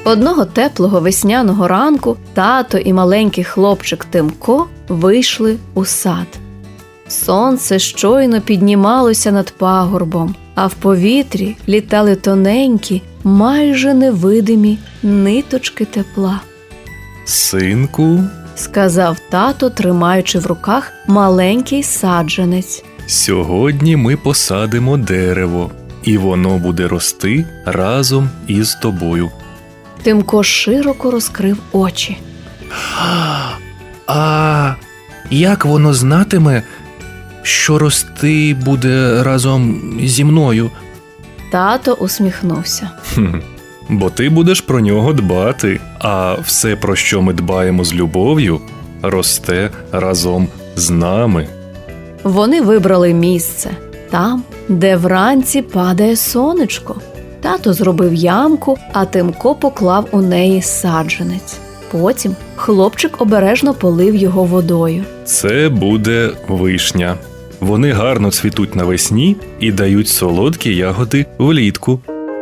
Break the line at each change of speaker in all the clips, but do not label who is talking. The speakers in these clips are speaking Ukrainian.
Одного теплого весняного ранку тато і маленький хлопчик Тимко вийшли у сад. Сонце щойно піднімалося над пагорбом, а в повітрі літали тоненькі, майже невидимі ниточки тепла.
«Синку,
– сказав тато, тримаючи в руках маленький саджанець.
сьогодні ми посадимо дерево, і воно буде рости разом із тобою».
Тимко широко розкрив очі.
А як воно знатиме, що рости буде разом зі мною?
Тато усміхнувся.
Бо ти будеш про нього дбати, а все, про що ми дбаємо з любов'ю, росте разом з нами.
Вони вибрали місце там, де вранці падає сонечко. Тато зробив ямку, а Тимко поклав у неї саджанець. Потім хлопчик обережно полив його водою.
Це буде вишня. Вони гарно цвітуть навесні і дають солодкі ягоди влітку.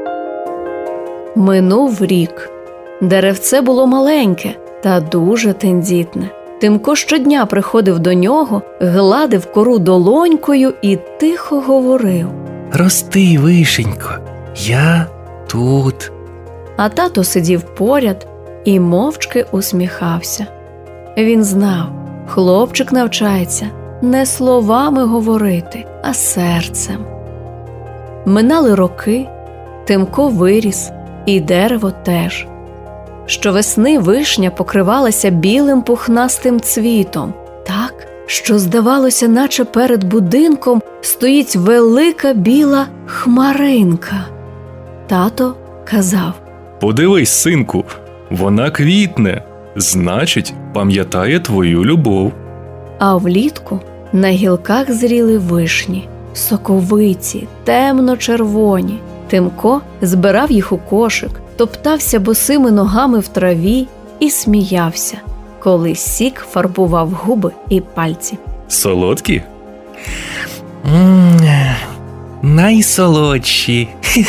Минув рік. Деревце було маленьке та дуже тендітне. Тимко щодня приходив до нього, гладив кору долонькою і тихо говорив.
Рости, вишенько, я тут.
А тато сидів поряд і мовчки усміхався. Він знав, хлопчик навчається не словами говорити, а серцем. Минали роки, Тимко виріс, і дерево теж. Щовесни вишня покривалася білим пухнастим цвітом, так, що здавалося, наче перед будинком стоїть велика біла хмаринка. Тато казав:
Подивись, синку, вона квітне, значить, пам'ятає твою любов.
А влітку на гілках зріли вишні, соковиті, темно-червоні. Тимко збирав їх у кошик, топтався босими ногами в траві і сміявся, коли сік фарбував губи і пальці.
Солодкі?
Найсолодші.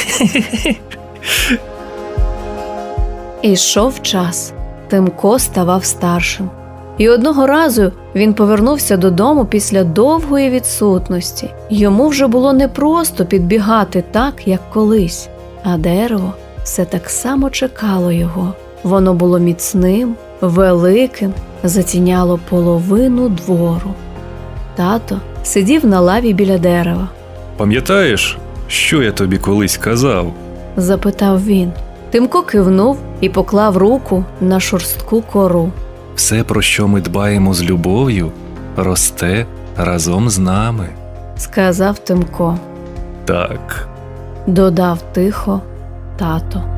Ішов час. Тимко ставав старшим. І одного разу він повернувся додому після довгої відсутності. Йому вже було непросто підбігати так, як колись. А дерево все так само чекало його. Воно було міцним, великим, затіняло половину двору. Тато сидів на лаві біля дерева.
Пам'ятаєш, що я тобі колись казав?
Запитав він. Тимко кивнув і поклав руку на шорстку кору.
Все, про що ми дбаємо з любов'ю, росте разом з нами.
Сказав Тимко.
Так.
Додав тихо тато.